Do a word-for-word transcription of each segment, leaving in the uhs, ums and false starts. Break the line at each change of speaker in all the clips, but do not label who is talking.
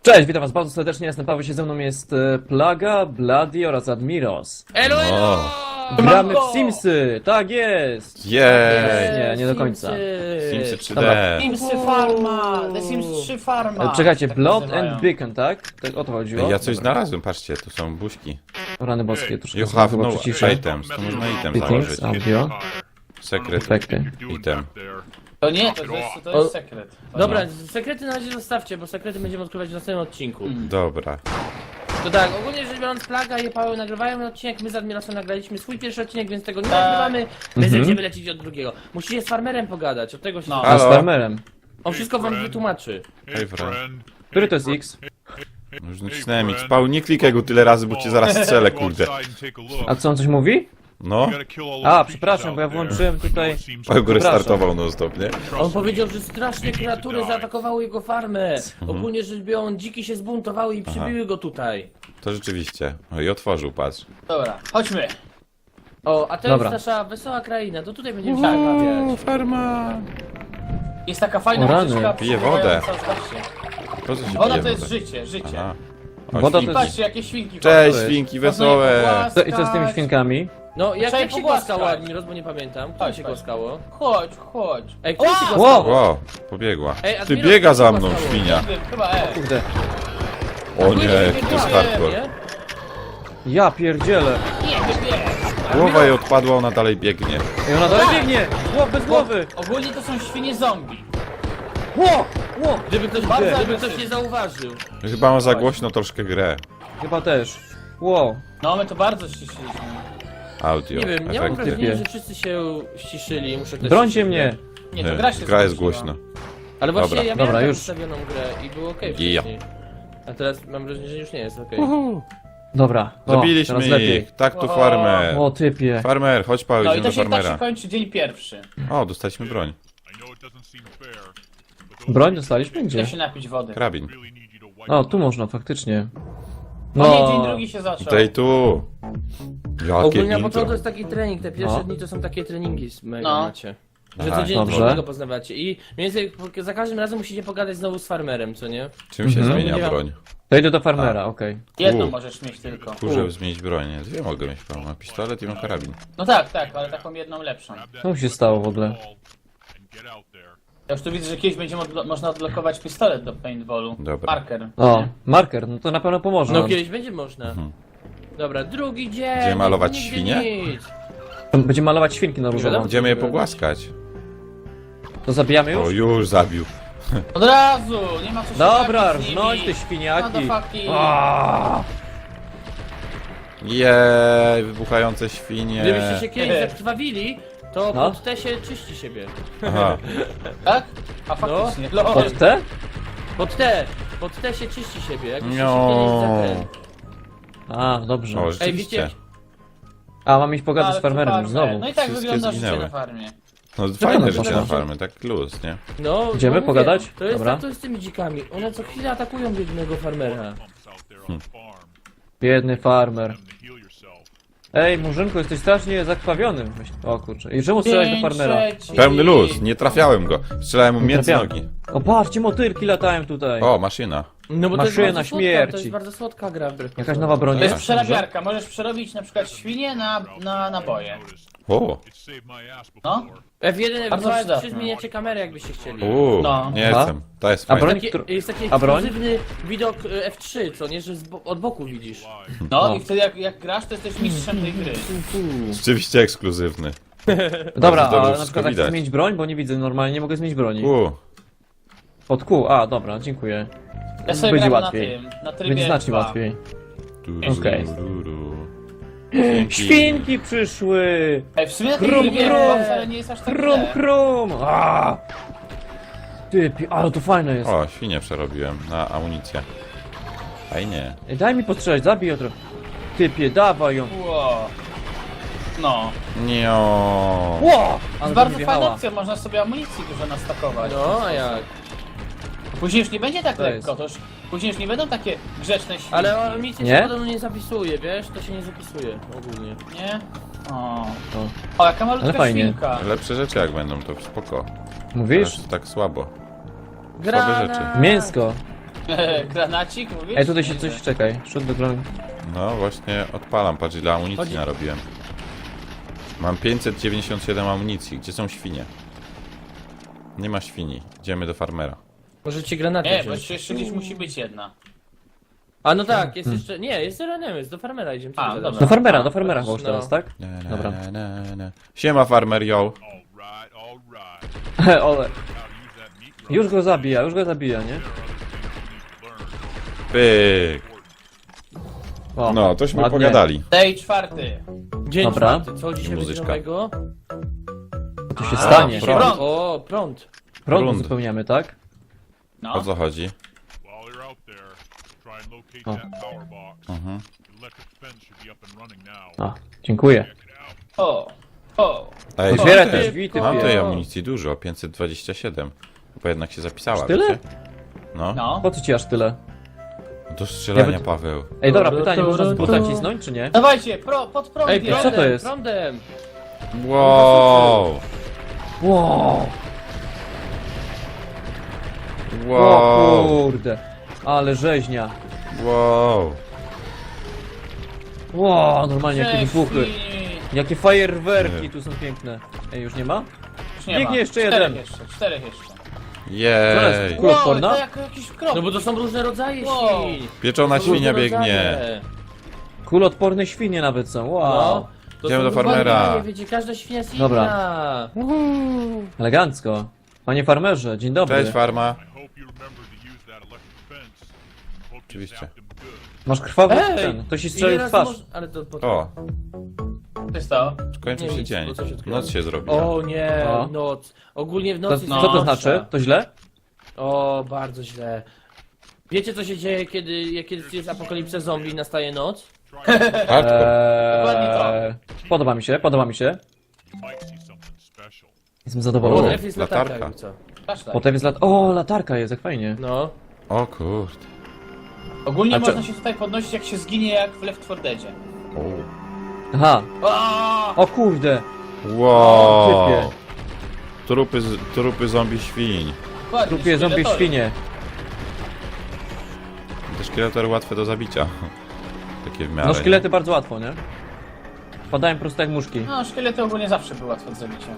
Cześć, witam was bardzo serdecznie, jestem Paweł, się ze mną jest e, Plaga, Bloody oraz Admiros.
Elo, elo!
Gramy w Simsy, tak jest!
Jej!
Nie, nie do końca.
Simsy trzy
Dobra.
D.
Simsy Farma! The Sims trzy Farma!
E, czekajcie,
tak
Blood
nazywają.
and Beacon, tak? Tak o to chodziło?
Ja coś
Dobra.
znalazłem, patrzcie, tu są buźki.
Rany boskie, troszkę
You
sobie
have
chyba
no
przyciszę.
items, to można item
Settings,
założyć.
audio,
Secret
efekty.
item.
To nie, to jest, to jest sekret. To
Dobra,
nie.
sekrety na razie zostawcie, bo sekrety będziemy odkrywać w następnym odcinku.
Dobra.
To tak, ogólnie rzecz biorąc, Plaga i Paweł nagrywają odcinek, my z Admirosem nagraliśmy swój pierwszy odcinek, więc tego nie
Tak.
nagrywamy, więc
Mhm.
będziemy lecieć od drugiego. Musicie z farmerem pogadać, od tego się...
No.
A z
Halo?
farmerem.
On wszystko wam wytłumaczy.
Hej, friend.
Który to jest X?
Już nacisnąłem X. Paul, nie klikaj go tyle razy, bo cię zaraz strzelę, kurde.
A co on coś mówi?
No,
A, przepraszam, bo ja włączyłem tutaj...
Paul go restartował non stop, nie?
On powiedział, że strasznie kreatury zaatakowały jego farmę. Ogólnie rzecz biorąc, dziki się zbuntowały i przybiły go tutaj.
To rzeczywiście. O, i otworzył, patrz.
Dobra, chodźmy.
O, a to
Dobra.
jest nasza wesoła kraina, to tutaj będziemy się bawiać.
farma!
Jest taka fajna
O, rany.
muzyczka
Pije wodę.
przypomniająca, zobaczcie.
Po co się
Woda
pije
to jest
wodę?
życie, życie.
Aha. O,
Woda to
świnki.
jest-
Patrzcie, jakie świnki.
Cześć,
jest?
świnki
Można je
wesołe!
pogłaskać.
Co, I co z tymi świnkami?
No, jak,
Trzeba
jak się
pogłaskać.
głaskało, Admiros, bo nie pamiętam. Kto
Chodź,
się
chodź.
głaskało?
Chodź, chodź.
Ej, kto się
Wow!
głaskało?
Ło, pobiegła.
Ej,
Ty
Admiros,
biega za
co
mną,
głaskało?
świnia.
Chyba E.
Kurde.
O nie, to jest hardcore.
Nie?
Ja pierdzielę.
Nie, nie, nie.
Głowa jej odpadła, ona dalej biegnie.
Ej, ona dalej biegnie! Głow, bez głowy!
Ogólnie to są świnie zombie.
Ło! Ło!
Gdyby ktoś,
Bardzo
gdyby
agresywny.
ktoś nie zauważył.
Chyba ma za głośno troszkę grę.
Chyba też. Ło!
No, my to bardzo ściszyliśmy.
Audio,
Nie wiem, nie mam
efekty.
wrażenia, że wszyscy się ściszyli. Muszę też
Brońcie
się
mnie!
Nie, to gra się
Gra jest
skończyła.
głośno.
Ale właśnie
Dobra.
ja miałem
Dobra,
Dobra,
już.
ustawioną grę i było okej
Ja.
wcześniej. A teraz mam wrażenie, że już nie jest okej.
Dobra. O,
Zabiliśmy
teraz lepiej.
ich. Tak to
O.
farmer.
O, typie.
Farmer, chodź Paweł,
No i
idziemy
to
do
się tak się
farmera.
kończy dzień pierwszy.
O, dostaliśmy broń.
Broń dostaliśmy?
Chcę
Gdzie?
się napić wody.
Karabin.
O, tu można faktycznie.
No nie, dzień
No,
drugi się zaczął.
Tutaj tu. Jakie
Ogólnie na
intro.
początku to jest taki trening, te pierwsze
No.
dni to są takie treningi z mega
No.
macie. Że
Aha,
codziennie
dobrze.
tego poznawacie. I mniej więcej po- za każdym razem musicie pogadać znowu z farmerem, co nie?
Czym się
Mhm.
zmienia
Nie.
broń?
to idę do farmera, okej.
Jedną
U.
możesz mieć tylko.
Kurze, zmienić broń. Nie, dwie mogę mieć, Paweł. Mam pistolet i mam karabin.
No tak, tak, ale taką jedną lepszą.
Co mu się stało w ogóle?
Ja już tu widzę, że kiedyś będzie modlo- można odblokować pistolet do paintballu.
Dobra.
Marker.
O,
Nie?
marker, no to na pewno pomoże
No
nam.
kiedyś będzie można. Dobra, drugi dzień.
Będziemy malować
nigdzie
świnie?
nic.
Będziemy malować świnki na różowo.
Będziemy je pogłaskać.
To zabijamy
O,
już?
już zabił.
Od razu! Nie ma co się
Dobra,
bawić z nimi.
rżnąć te świniaki.
Motherfucking.
Aaaa!
Jej, wybuchające świnie.
Gdybyście się kiedyś zakrwawili, to
No.
pod te się czyści siebie.
Aha.
Tak? A faktycznie. No.
Pod te?
Pod te, pod te się czyści siebie, jakbyście się
No.
kiedyś zakręt.
A, dobrze.
O,
Ej,
rzeczywiście.
wiecie,
A, mam iść pogadać
Ale
z farmerem
to
już
farmer.
znowu.
No i tak
Wszystkie
wygląda życie
zginęły.
na farmie.
No fajne
no,
życie
dobra.
na farmy, tak luz, nie?
no...
Idziemy
no mówię,
pogadać?
To jest
Dobra.
tak, to jest z tymi dzikami. One co chwilę atakują biednego farmera.
Biedny farmer. Ej, Murzynku, jesteś strasznie zakrwawiony. Myśl- O kurczę. I czemu strzelałeś do
Dzień
farmera?
trzeci.
Pełny luz, nie trafiałem go. Strzelałem mu
Nie
między
trafiałem.
nogi.
O, patrzcie, motylki latają tutaj.
O, maszyna.
No bo to jest
Maszyna
bardzo słodka,
śmierci.
to jest bardzo słodka gra wbrew
Jakaś
pozorom.
nowa broń
To jest
jest?
przerabiarka. Możesz przerobić na przykład świnie na, na naboje.
O,
No?
F jeden, F
Bardzo
dwa, F trzy
przydatne.
zmieniacie kamerę jakbyście chcieli.
uuu,
No.
nie
Aha.
chcę. To jest
A
fajne.
broń?
Takie,
Któr-
jest taki
A broń?
ekskluzywny widok y, F trzy, co nie, że z bo od boku widzisz.
No
No.
i wtedy jak, jak grasz, to jesteś mistrzem tej gry.
Rzeczywiście ekskluzywny.
Dobra,
Bardzo dobrze
a na
wszystko
przykład jak chcę
widać.
zmienić broń, bo nie widzę normalnie, nie mogę zmienić broni.
U,
Pod Q, a dobra, dziękuję.
Ja sobie
Będzie
gram
łatwiej.
na tym, na trybie
Będzie znacznie
dwa.
łatwiej.
du,
Okej.
du, du, du.
Świnki przyszły!
Ej, w sumie na tej
Krum,
trybie
krum.
dwa wcale nie jest aż tak
Krum,
źle.
krum! Aaa! Ty, pi- ale to fajne jest.
O, świnie przerobiłem na amunicję. Fajnie.
Ej, daj mi postrzelać, zabij ją trochę. Typie, dawaj ją.
Ło. No.
Nie.
Ło!
To
Ale
jest
do
bardzo
mnie
fajna
wjechała.
opcja, można sobie amunicji dużo nastakować.
No, a jak?
Później już nie będzie tak
To
lekko,
jest.
to już później już nie będą takie grzeczne świnki.
Ale o, nic
Nie?
się podobno nie zapisuje, wiesz? To się nie zapisuje ogólnie.
Nie? O.
To.
O, jaka malutka
Ale fajnie.
świnka.
Lepsze rzeczy jak będą, to spoko.
Mówisz?
Teraz tak słabe.
Grana!
rzeczy.
Mięsko.
Granacik, mówisz?
Ej, tutaj się coś, czekaj, szut do broni.
No właśnie odpalam, patrz ile amunicji
Chodzi-
narobiłem. Mam pięćset dziewięćdziesiąt siedem amunicji. Gdzie są świnie? Nie ma świni. Idziemy do farmera.
Możecie granaty
Nie, bo
wziąć.
jeszcze, jeszcze gdzieś musi być jedna.
A no tak, jest jeszcze... Nie, jest Renemes, do farmera idziemy. co
A,
ty
dobra.
gadasz?
Do farmera, do farmera chyba już
No.
teraz, tak?
Na, na,
Dobra.
na, na. Siema farmer, yo.
Alright, alright.
Ole.
How to use that meat grinder.
Już go zabija, już go zabija, nie?
There are other things you need to learn.
Pyk.
O,
No, tośmy
ładnie.
pogadali.
Day czwarty.
Dzień
Dobra.
czwarty, co dzisiaj będzie
Muzyczka.
nowego?
To się
A,
stanie.
prąd.
Prąd.
O, prąd.
Prąd
Prąd.
uzupełniamy, tak?
No.
O co chodzi?
While you're out there, try and locate
Oh.
that power box.
Mhm.
The electric fence should be up and running now.
A, dziękuję.
Check it out.
O. O.
Ej,
Otwieraj
mam
te
tej-
drzwi, ty
Mam
pie-
tej amunicji dużo, pięćset dwadzieścia siedem. Bo jednak się zapisała,
Aż tyle?
wiecie? No.
No.
Po co ci aż tyle?
Do strzelania,
Ja by-
Paweł.
Ej, dobra,
Tu,
pytanie,
tu,
można z
tu,
buta
tu.
cisnąć, czy nie?
Dawajcie, pro, pod prąd
Ej,
jest.
co to
prądem,
jest?
prądem.
Wow!
Wow! O
Wow!
kurde! Ale rzeźnia!
Wow!
Wow, normalnie jakie
Cześć,
wybuchy!
i-
Jakie fajerwerki tu są piękne! Ej, już nie ma?
Już nie
Biegnie
ma.
jeszcze
czterech
jeden.
jeszcze, czterech jeszcze.
Jej!
Kula
Wow,
odporna?
to jak jakiś krop.
No bo to są różne rodzaje
Wow.
świń.
Pieczona
To są
świnia
różne
biegnie.
rodzaje.
Kuloodporne świnie nawet są, wow!
No. To
Idziemy
są
do farmera.
różne rodzaje, wiecie, każda świnia jest
Dobra.
inna.
Elegancko! Panie farmerze, dzień dobry.
Cześć farma.
I hope you remember to use that electric fence. Hope you
Oczywiście.
zapped them good.
Masz krwawy
Ej!
ten, ktoś ci
Ile
strzelił w
razy
twarz.
moż- Ale to po
O,
Co się stało?
kończy
Nie,
się
nic,
dzień.
bo coś odkryłem.
Noc się zrobiła.
O nie,
O.
noc. Ogólnie w
To,
nocy jest
co to
najgorsza.
znaczy? To źle?
O, bardzo źle. Wiecie co się dzieje, kiedy, kiedy jest apokalipsa zombie i nastaje noc?
Hardcore.
Dokładnie
Eee, podoba mi się, podoba mi się.
You might see something special.
Jestem
O.
zadowolony.
Potem jest latarka,
latarka.
jakby co.
Kaszlaj.
Potem jest lat... O, latarka jest, jak fajnie.
No.
O kurde.
Ogólnie
A czy-
można się tutaj podnosić jak się zginie jak w Left four Deadzie.
O.
Aha,
O!
o kurde!
Wow.
typie.
Trupy, z- trupy zombie świń.
Dokładnie,
Trupie zombie
szkieletory.
świnie.
Te szkieletory łatwe do zabicia. Takie w miarę.
No
nie?
szkielety bardzo łatwo, nie? Padają prosto jak muszki.
No, szkielety ogólnie zawsze były łatwe do zabicia.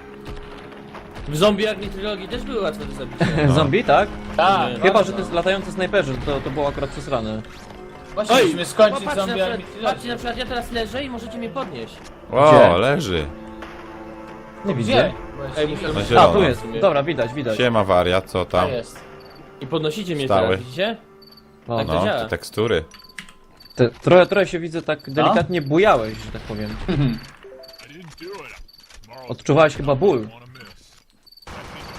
W zombie Army Trilogii też były łatwe do zabicia.
No.
Zombie, tak?
Tak,
Nie.
Chyba,
bardzo.
że to jest latający snajperzy, to, to było akurat przesrane.
Właśnie
Oj!
musimy skończyć
Popatrzcie,
zombie
na
Army
przykład,
Trilogy.
patrzcie, na przykład ja teraz leżę i możecie mnie podnieść.
O,
Gdzie?
leży.
Nie
Gdzie?
widzę.
Bo ja
Ej,
się nie
muszę-
widzę.
Na
A,
zielono.
tu jest.
w sumie.
Dobra, widać, widać.
Siema wariat, co
To
tam?
jest.
I podnosicie mnie
Stały.
teraz, widzicie?
O,
Tak.
No,
działa.
te tekstury.
te, trochę, trochę się widzę tak delikatnie bujałeś, że tak powiem.
I didn't do it. Tomorrow's
Odczuwałeś chyba ból.
wanna miss. That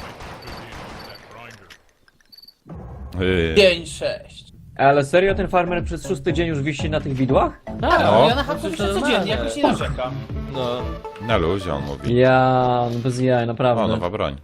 means I might make a good deal with that grinder.
Yy.
pięć, sześć.
Ale serio ten farmer przez szósty dzień już wisi na tych widłach?
Tak,
No.
no. ja na
Przecież
chacie
to
piszę
normalne.
codziennie, jakoś nie narzekam.
No.
Na luzie on mówi.
Ja, no bez jaj,
O,
naprawdę.
nowa broń.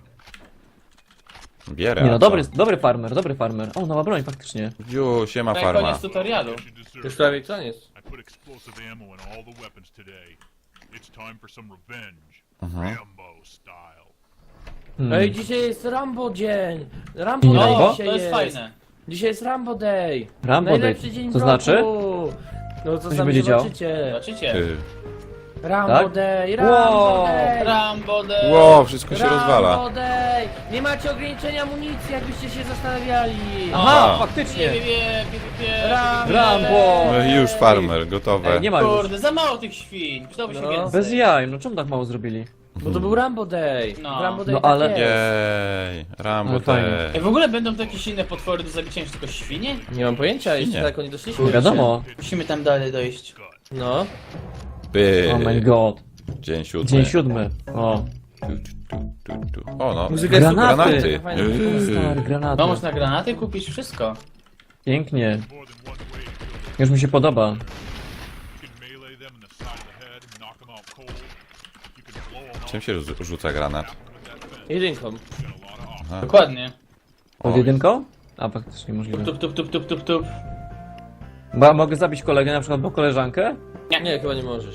Bierę.
Nie
a
no,
co?
dobry, dobry farmer, dobry farmer. O, nowa broń, faktycznie.
Ju, siema
To
farma.
koniec tutorialu.
You deserve
Już
it.
prawie koniec.
I put explosive ammo in all the weapons today. It's time for some revenge.
Mhm.
Rambo style.
Hmm.
Ej, dzisiaj jest Rambo dzień. Rambo
Nie
Day
Rambo?
O,
dzisiaj
to jest fajne.
Dzisiaj jest Rambo Day.
Rambo Day.
Najlepszy dzień
To
w
znaczy?
roku. No to
się
sami
będzie działo?
zobaczycie.
Zobaczycie.
Yy.
Rambo
Tak?
Day, Rambo
Wow.
Day.
Rambo Day.
Wow, wszystko się
Rambo
rozwala.
Day. Nie macie ograniczenia amunicji, jakbyście się zastanawiali.
Aha,
Aha.
faktycznie.
Pie, pie, pie, pie, pie,
Rambo.
Rambo.
No i już farmer, gotowe.
Ej, nie ma już.
Kurde, za mało tych świń. Przydałoby się
No.
więcej.
Bez jaj, no czemu tak mało zrobili?
Bo to był Rambo Day.
No.
Rambo Day
No,
tak
ale-
jest.
Jej, Rambo
Ale fajnie.
te.
Ej, w ogóle będą to jakieś inne potwory do zabicia niż tylko świnie?
Nie mam pojęcia, jeszcze
Nie.
daleko nie doszliśmy.
Nie wiadomo.
Musimy tam dalej dojść.
No.
By.
Oh my god.
Dzień siódmy.
Dzień siódmy. O.
Tu, tu, tu, tu, tu. O no.
Muzyka jest
Granaty.
super.
Granaty.
Fajna
Yy.
muzyka.
Stary, granaty.
No, można granaty kupić, wszystko.
Pięknie.
More than one way to kill them.
Już mi się podoba.
You can melee them in the side of the head and knock them out cold. You can blow them
Czym
up
się rzu- rzuca granat?
with that fence.
Jedynką.
You got a lot of options.
Dokładnie.
Pod jedynką? A, faktycznie możliwe.
Tup, tup, tup, tup, tup, tup.
Bo ja mogę zabić kolegę, na przykład, bo koleżankę?
Nie, chyba nie możesz.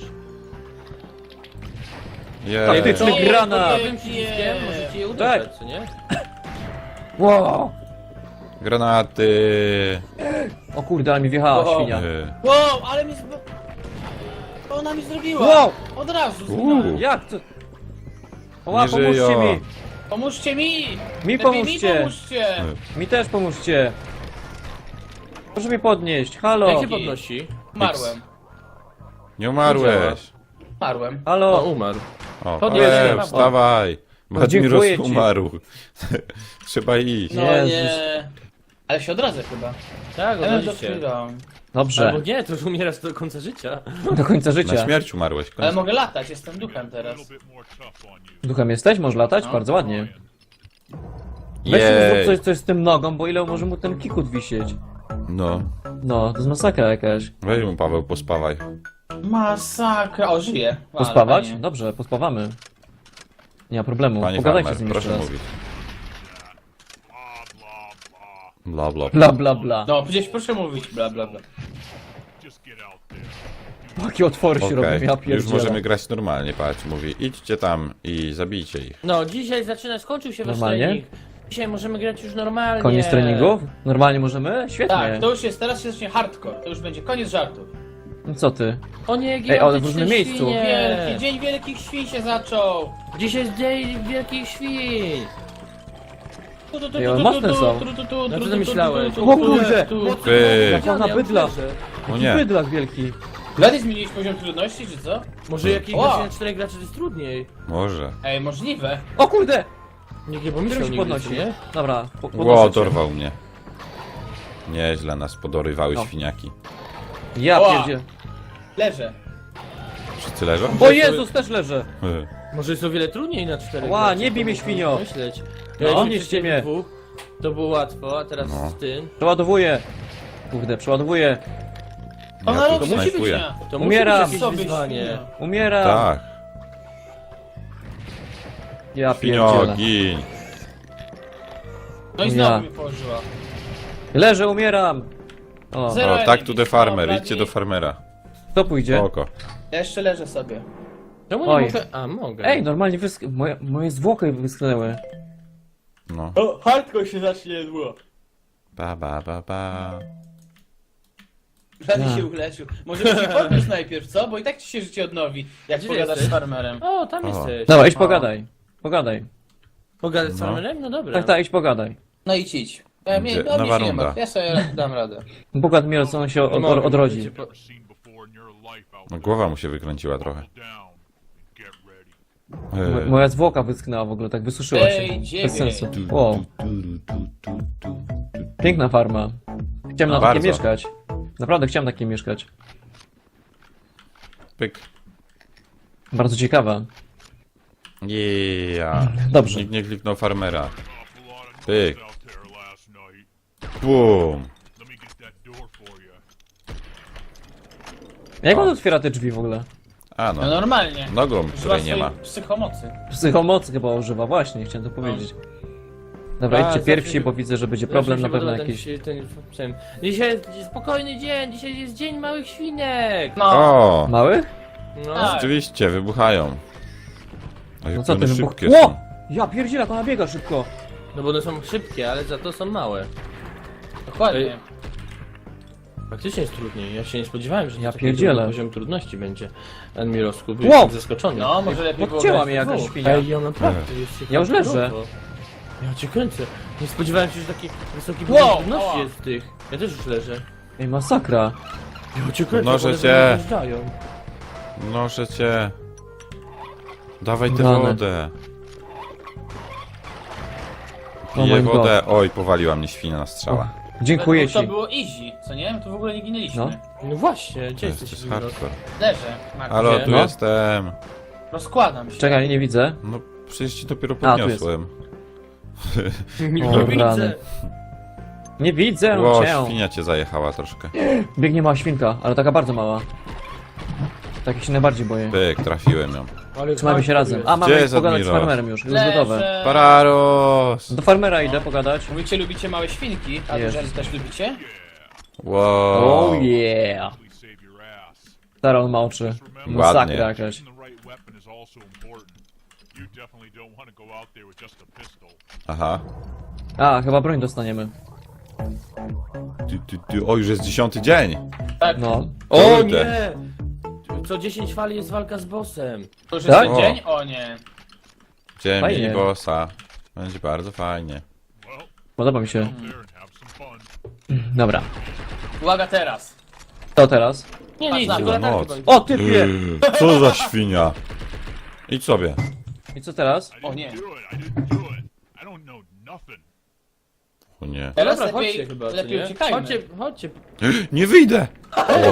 Jej.
Taktyczny
Ej,
granat!
ej,
Tym przyciskiem możecie je
Tak.
uderzać, co nie?
Wow!
Granaty.
O kurde, ale mi wjechała
O.
świnia.
Y,
Wow, ale mi zbo... Co ona mi zrobiła?
Wow!
Od razu
Uuu.
zginąłem.
Jak to? Oła,
Nie
pomóżcie
żyją.
mi!
Pomóżcie mi!
Mi
Lepiej
pomóżcie!
Mi pomóżcie!
Mi też pomóżcie! Proszę mnie podnieść, halo!
Jak się podnosi?
Umarłem.
Nie umarłeś.
Umarłem.
O,
Halo!
umarł.
O,
Podnieś
e,
się.
wstawaj.
dziękuję
Badmiros
ci.
umarł. Trzeba iść.
No
Jezus.
nie. Ale się odradzę chyba.
Tak,
Ja bym to
oczywiście.
chwilą.
Dobrze,
Albo nie, to już umierasz do końca życia.
do końca
Na
życia.
śmierć umarłeś.
Ale
Koniec.
mogę latać, jestem duchem
A
teraz.
little bit more tough on you.
Duchem jesteś? Możesz latać?
No.
Bardzo ładnie. Weź
Jej.
zrób coś, coś z tym nogą, bo ile może mu ten kikut wisieć?
No.
No, to jest masakra jakaś.
Weź mu, Paweł, pospawaj.
Masakra. O, żyję. Ale
Pospawać?
fajnie.
Dobrze, pospawamy. Nie ma problemu.
Panie
Pogadajcie
farmer,
z nim
proszę
jeszcze raz.
mówić.
Blah, blah, blah.
Bla, bla.
Bla bla bla.
No, przecież proszę mówić, bla bla bla.
Just get out there.
Jakie otwory się
Okej,
robią, ja
już
pierdzielę.
możemy grać normalnie, patrz, mówi idźcie tam i zabijcie ich.
No, dzisiaj zaczyna, skończył się wasz
Normalnie?
trening. Dzisiaj możemy grać już normalnie.
Koniec treningów? Normalnie możemy? Świetnie.
Tak, to już jest, teraz się zacznie hardcore. To już będzie koniec żartów.
No co ty?
O nie,
Ej, ale w
gigantyczne
różnym miejscu.
świnie.
Wielki, dzień wielkich świń się zaczął.
Dzisiaj jest dzień wielkich świn.
Tu, tu, tu,
Ej,
tu,
ale
tu,
mocne
tu,
są.
tu, tu, tu,
No
tu,
co
tu,
ty
tu,
myślałeś?
tu, tu,
O
tu,
kurde!
tu.
Wy.
Jak ona
Ja
bydla.
uderzę.
O
Jaki
nie.
bydlak wielki.
Blady zmieniliś poziom trudności, czy co?
Może jakiś
Ła.
godzin na czterech graczy to jest trudniej.
Może.
Ej, możliwe.
O kurde!
Nikt nie
Którym
pomyślał
się
nigdy,
podnosi?
co nie?
Dobra, po,
Ło,
podnoszę cię.
dorwał mnie. Nieźle nas podorywały
No.
świniaki.
Ja
Ła.
pierdzie.
Leżę.
Wszyscy leżą?
O Jezus, też leżę.
Y.
Może jest o wiele trudniej na czterech
Ła,
graczy,
nie bij
to
mnie,
można
świnio.
Myśleć.
No,
Ja
nie
jeszcze
mnie.
dwóch, to było łatwo, a teraz
No.
z tym.
Przeładowuję. Kurde, przeładowuję.
Ona
Ja
robi,
tu
musi być
snajpuję.
na.
To
Umieram.
musi być
Sobie
jakieś wyzwanie.
świnia.
Umieram.
Tak.
Ja
Świnio,
pierdzielę.
gin.
No i
Ja.
znowu mi położyła.
Leżę, umieram. O,
Zero
O, tak
energii.
to the farmer,
No,
idźcie do farmera.
kto pójdzie?
Oko.
Ja jeszcze leżę sobie.
Czemu nie
Oj.
mogę? A, mogę.
Ej, normalnie wysk... moje, moje zwłoki wyschnęły.
No.
O, hardcore się zacznie niedługo.
Ba, ba, ba, ba.
Blady
Ja.
się uleczył. Może byś się podniósł najpierw, co? Bo i tak ci się życie odnowi, jak
Gdzie
pogadasz
jesteś?
z farmerem.
O, tam
O.
jesteś.
Dobra, idź
O.
pogadaj. Pogadaj.
Pogadać z
No.
farmerem? No dobra.
Tak, tak, idź pogadaj.
No idź, idź. Ja, mnie,
Gdzie?
no, mnie
Nowa
się nie
runda.
martw. Ja sobie dam radę.
Bogad mi, co on się
Nie
od,
mogę,
odrodzi.
wiecie, po-
Never seen before in your life out
No,
there.
głowa mu się wykręciła trochę.
Down and get ready.
Mo-
Y.
Moja zwłoka wyschnęła w ogóle, tak wysuszyła się.
Ej,
Bez
dziewięć.
sensu. O, piękna farma. Chciałem na
No,
takiej
bardzo.
mieszkać. Naprawdę chciałem na takiej mieszkać.
Pyk.
Bardzo ciekawa.
Yeah.
Dobrze.
Nikt nie kliknął farmera.
Awful lot of
Pyk.
noise out there last night.
Bum.
Let me get that door for you.
Jak on
O.
otwiera te drzwi w ogóle?
A
No
no.
normalnie.
Nogą,
Używa
której nie ma.
swojej psychomocy.
Psychomocy chyba używa, właśnie, chciałem to powiedzieć. Dobra,
A,
idźcie
zawsze
pierwsi,
mi-
bo widzę, że będzie
Zawsze
problem
mi
na
się
pewno
podoba
jakiś.
Ten, ten, ten, dzisiaj jest spokojny dzień, dzisiaj jest dzień małych świnek.
No.
O!
Małych?
No.
Tak.
Rzeczywiście, wybuchają. A
No
jak
co ty,
one
wybuch...
szybkie
Ło!
są.
Ja pierdzielę, jak ona biega szybko.
No bo one są szybkie, ale za to są małe.
Dokładnie.
Faktycznie jest trudniej. Ja się nie spodziewałem, że
Ja
taki
pierdzielę.
trudny poziom trudności będzie. Admirowsku,
Wow.
byłem zaskoczony.
No, może lepiej było
Podcięła
grać
mnie
w
jakaś
dwóch.
świnia.
Ej, ja naprawdę jest
Ja już leżę.
hardkorowo. Ja cię kręcę. Nie spodziewałem się, że taki wysoki
Wow,
poziom trudności
ała.
jest w tych. Ja też już leżę.
Ej, masakra.
Ja cię kręcę,
Noże
one
cię.
ze mną wjeżdżają.
Noszę cię. Dawaj tę
Rany.
wodę.
Oh
Piję
my God.
wodę. Oj, powaliła mnie świnia na strzała.
Dziękuję
To
ci.
było easy, co nie? To w ogóle nie ginęliśmy.
No.
No właśnie, gdzie
To jest, to
jesteś?
jest
Admirowsku?
hardcore.
Leżę, Marku.
Halo,
Gdzie?
tu
No.
jestem.
Rozkładam się.
Czekaj, nie widzę.
No, przecież ci dopiero
A, tu jest.
podniosłem.
Nie
O,
widzę.
rany. Nie widzę
Ło,
cię.
świnia cię zajechała troszkę.
Biegnie mała świnka, ale taka bardzo mała. Takich się najbardziej boję.
Pyk, trafiłem ją.
Ale
Trzymamy się
hardcore
razem.
jest.
A, mamy
Gdzie jest
pogadać z
Admiros?
farmerem już, już
Leżę.
gotowe.
Pararos!
Do farmera idę pogadać.
Mówicie, lubicie małe świnki, a
Jest.
duże też lubicie?
Wow.
Oh yeah.
Please save your ass.
Stara on ma oczy.
Ładnie.
Masakra jakaś.
Choosing the right weapon is also important. You definitely don't want to go out there with just a pistol.
Aha.
A, chyba broń dostaniemy.
Ty, ty, ty. O, już jest dziesiąty dzień.
Tak,
No.
O
Kurde.
nie! Co dziesięć fali jest walka z bossem.
to już jest
Tak?
ten dzień? O nie.
Dzień
Fajnie.
mini bossa. Będzie bardzo fajnie.
Well,
Podoba mi się.
there and have some fun.
Dobra.
Uwaga teraz.
Co teraz?
Nie,
Patrz
nie,
na
tylko
to.
latarki
Noc.
bądź.
O, typie!
Yy, Co za świnia? Idź sobie.
I co teraz?
I
O
didn't
nie.
do it. I didn't do it. I don't know nothing.
O nie.
Teraz
Dobra,
lepiej,
chodźcie chyba, co
lepiej
nie?
uciekajmy.
Chodźcie, chodźcie,
Nie wyjdę! O,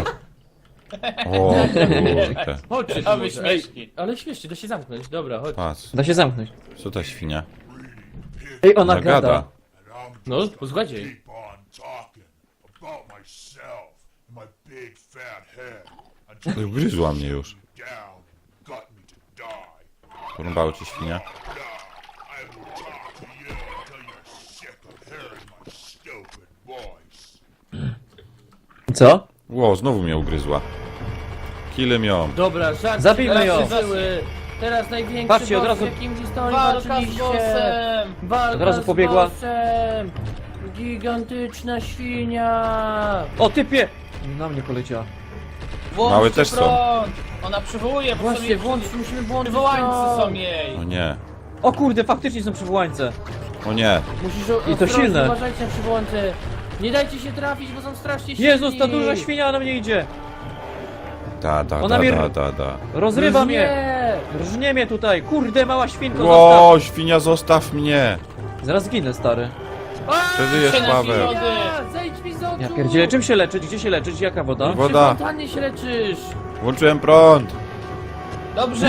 o kurde.
chodźcie.
A
tu
wy
może. Ej,
śmieszki.
ale śmiesznie, da się zamknąć. Dobra, chodź.
Patrz,
Da się zamknąć.
co ta świnia?
Ej, ona
Ona
gada.
gada.
No, posłuchajcie.
Keep on talking about myself and my big fat head until
Ugryzła mnie już.
you down and got me to die.
Porąbało ci świnia?
Now, I will talk to you until you're sick of hearing my stupid voice.
Co?
Ło, znowu mnie ugryzła. Killem ją.
Dobra, żart.
Zabijmy
teraz
ją.
się żyły. Teraz największy
Patrzcie, od
boss,
razu-
jakim w historii
Walka z
walczyliście.
bossem.
Walka
Od razu
z
pobiegła.
bossem. Gigantyczna świnia.
O, typie! Na mnie poleciała.
Włączcie
Małe też są.
prąd. Ona przywołuje, bo są
Właśnie,
jej
włącz, musimy włączyć
przywołańcy są
prąd.
jej.
O nie.
O kurde, faktycznie są przywołańce.
O nie.
Musisz o,
I to
ostrożnie,
silne.
Uważajcie na przywołańce. Nie dajcie się trafić, bo są strasznie silni.
Jezus, ta duża świnia na mnie idzie.
Da, da,
Ona
da,
mnie-
da, da, da.
Rozrywa mnie.
Nie.
Rżnie mnie tutaj. Kurde, mała świnko,
Ło, świnia, zostaw mnie.
zostaw. Zaraz ginę, stary.
Przeżyjesz,
Się na
Paweł.
wody.
Ja, zejdź mi z oczu.
Ja pierdzielę, czym się leczyć? Gdzie się leczyć? Jaka woda?
Wo-
Przy
Woda.
fontannie się leczysz.
Włączyłem prąd.
Dobrze.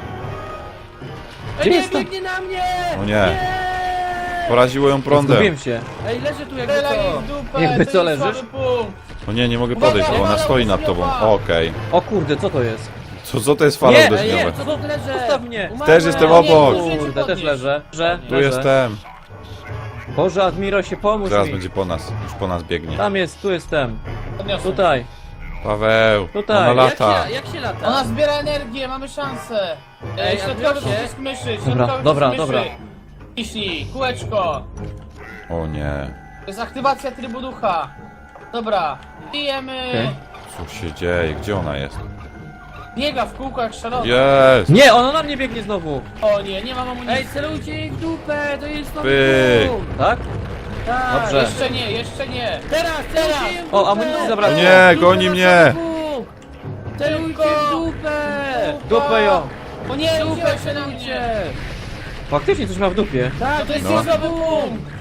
Gdzie
Ej, nie,
jest ta-
biegnie na mnie.
O nie.
Nie.
Poraziło ją prądem.
Zgubiłem się.
Ej, leży tu jakby
Strzelaj jej
co.
w dupę,
Jakby
to
co,
jest
leżysz?
słaby punkt.
O nie, nie mogę
Uwaga,
podejść, bo ona
uwaga,
stoi nad tobą.
uwaga.
Okej.
O kurde, co to jest?
Co, co to jest fala
Nie,
Ej, nie,
uderzeniowa?
co tu leżę?
Zostaw mnie.
Umarłem.
Też jestem
O nie,
obok.
Możecie
Kurde, też
podnieść.
leżę. Że,
Tu
leżę.
jestem.
Boże, Admiro, się pomóż
Zaraz
mi.
będzie po nas. Już po nas biegnie.
Tam jest, tu jestem.
Podniosłem.
Tutaj.
Paweł.
Tutaj.
Ona
Jak
lata.
się, jak się lata?
Ona zbiera energię, mamy szansę.
Ej,
Ej, środkowy
Admirosie.
przycisk myszy,
Dobra,
środkowy
dobra,
przycisk
dobra.
myszy. Ciśnij, kółeczko.
O nie.
To jest aktywacja trybu ducha. Dobra, bijemy.
Okej.
Co się dzieje? Gdzie ona jest?
Biega w kółko jak szalony.
Jest!
Nie, ona na mnie biegnie znowu.
O nie, nie mam amunicji.
Ej, celujcie jej w dupę, to jest nowy
Pyk.
punkt.
Tak?
Tak.
Dobrze.
Jeszcze nie, jeszcze nie.
Teraz, celujcie jej w dupę.
O, amunicji zabrakło.
Nie,
Dupę
goni
na
mnie.
punkt. Celujcie w dupę.
Dupę ją.
O nie,
Dupę
udzielaj się na mnie.
celujcie.
Faktycznie coś ma w dupie.
Tak,
To jest
No.
słaby punkt.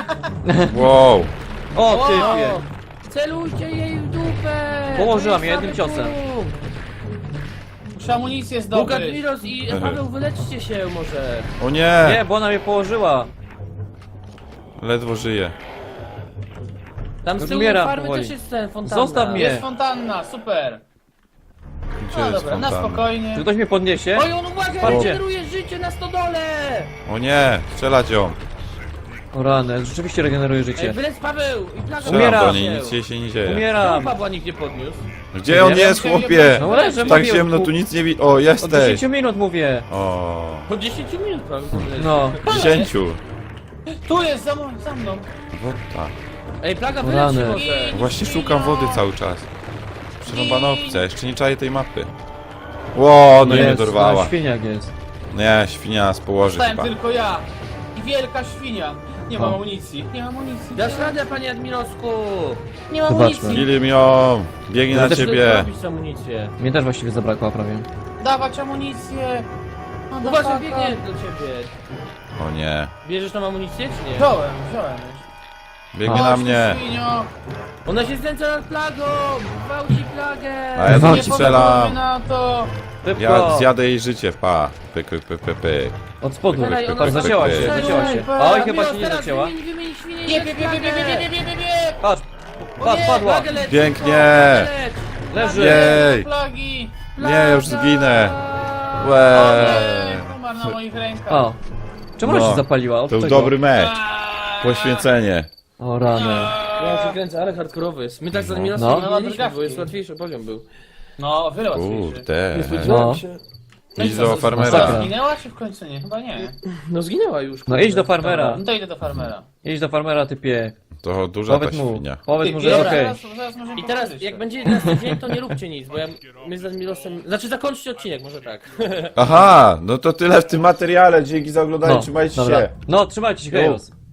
Wow.
O,
Wow.
typie.
Celujcie jej w dupę.
Położyłam
To
je
jest
jednym
słaby
ciosem.
punkt.
Muszę amunicję
Bóg
zdobyć.
Admiros i Paweł, wyleczcie się może.
O nie.
Nie, bo ona mnie położyła.
Ledwo żyje.
Tam z
Już
tyłu
umieram
farmy
powoli.
też jest ten fontanna.
Zostaw mnie.
Jest fontanna, super.
Gdzie
No
jest
dobra, na
fontanna?
spokojnie.
Czy ktoś mnie podniesie?
Oj, on uwaga,
Spadnie.
regeneruje życie na stodole!
O nie. Strzelać ją.
O rany, rzeczywiście regeneruje
Ej,
życie.
wylec Paweł! I plaga
Strzelam
Umieram.
do niej, nic jej się nie dzieje.
Czemu
Umieram.
Pawła nikt nie podniósł?
Gdzie on
Nie
jest,
wiem,
chłopie?
No leżę,
Tak
mówię,
ciemno,
od-
tu nic nie widać. O,
Od
jesteś.
dziesięciu minut mówię.
O.
Po dziesięciu minut Paweł.
No.
Dziesięciu.
Tu jest, za, mną- za mną.
Woda.
Ej, plaga
O
wyleci
rany.
może.
Właśnie szukam wody cały czas. Przerąbana opcja, jeszcze nie czaję tej mapy. Ło, no i mnie
Jest,
dorwała.
no, świniak jest.
Nie, świnia nas położy
Zostałem
chyba.
tylko ja. I wielka świnia. Nie mam
O.
amunicji. Nie mam amunicji.
Dasz radę, panie Admirosku!
Nie mam
Zobaczmy.
amunicji.
Killem ją. Biegnie na
też
ciebie.
Robisz amunicję.
Mnie też właściwie zabrakło prawie.
Dawać amunicję.
Uważaj, biegnie do ciebie.
O nie.
Bierzesz tą amunicję, czy nie?
Wziąłem, wziąłem.
Biegnie
A.
na
Chodź,
mnie.
Świnio.
Ona się znęca nad plagą! Gwałci plagę!
A ja
Walczy.
tam
Nie
strzelam.
pozwolimy na to.
Szybko.
Ja zjadę jej życie, pa. Pyk, pyk, pyk, pyk, pyk.
Od spodu.
Dalej, ona
Tak, zacięła się,
sobie-
zacięła się.
Super.
Oj, chyba
Admiros,
się nie
teraz
zacięła.
Wymień, wymień świnię i
Bie,
lecz
bie, bie, bie, bie,
plagę.
bie, bie, bie, bie.
Patrz,
O
patrz,
nie,
padła.
Plagę lecz,
Pięknie.
plagę lecz.
Leży.
Jej.
Plagi.
Nie, już zginę.
O
Łe.
nie, umarł na moich rękach.
O. Czemu ona
No,
się zapaliła? Od
To już
czego?
dobry mecz.
Aaaa.
Poświęcenie.
O rany.
Ja się kręcę, ale hardkorowy jest. My tak z
No.
Admirosem
No.
nie mieliśmy, bo jest łatwiejszy poziom był.
No, wiele łatwiejszy.
Kurde.
No.
No i
Idź
co,
do
z-
farmera.
Masakra.
Zginęła czy w końcu nie? Chyba nie.
No zginęła już.
No idź do farmera.
No to idę do farmera.
Idź do farmera, typie.
To duża ta
Powiedz mu,
świnia.
powiedz mu, że
Dobra,
jest okej.
zaraz, zaraz możemy
I teraz,
pogadać
jak
to.
będzie następny dzień, to nie róbcie nic, bo ja, my z Admirosem... Znaczy, zakończcie odcinek, może tak.
Aha, no to tyle w tym materiale. Dzięki za oglądanie, trzymajcie
dobra.
się.
No, trzymajcie się, hejos.